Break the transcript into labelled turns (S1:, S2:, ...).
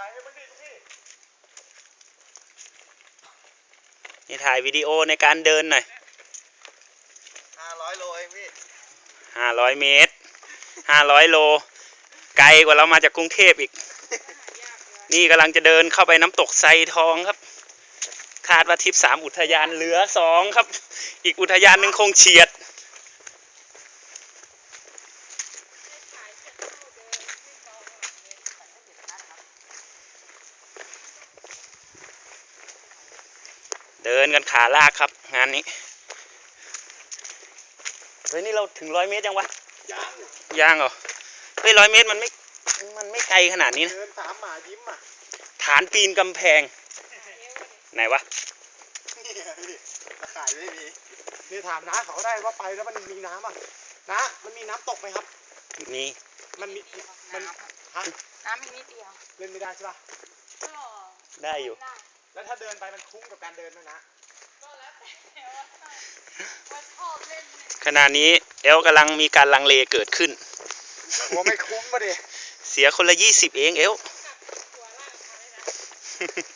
S1: ถ่ายให้มันดิพี่
S2: นี่ถ่ายวิดีโอในการเดินหน่อย
S1: 500 โลเองพี่
S2: 500 เมตร500 โลไกลกว่าเรามาจากกรุงเทพอีกนี่กำลังจะเดินเข้าไปน้ำตกไซทองครับคาดว่าทริป3อุทยานเหลือ2ครับอีกอุทยานหนึ่งคงเฉียดเดินกันขาลากครับงานนี้เฮ้ยนี่เราถึง100 เมตรยังวะยังเหรอเฮ้ย100 เมตรมันไม่ไกลขนาดนี้นะ
S1: เดิน3 หมายิ้มอ่ะ
S2: ฐานปีนกำแพงไหนวะ
S1: นี่พี่ตะข่ายไม่มีนี่ถามน้าเขาได้ว่าไปแล้วมันมีน้ำอ่ะน้ามันมีน้ำตกไหมครับ
S2: มี
S1: มันมีมันฮะ
S3: น้ำมีนิดเดียว
S1: เล่นไม่ได้ใช่ป่ะ
S3: ก็
S2: ได้อยู่
S1: แล้วถ้าเดินไปมันคุ้มกับการเดินไหมนะ
S3: ก็แล้วแต่ว่าชอบเล่น
S2: ขณะนี้เอลกำลังมีการลังเลเกิดขึ้น
S1: ว่าไม่คุ้มมาดิ
S2: เสียคนละ20เองเอล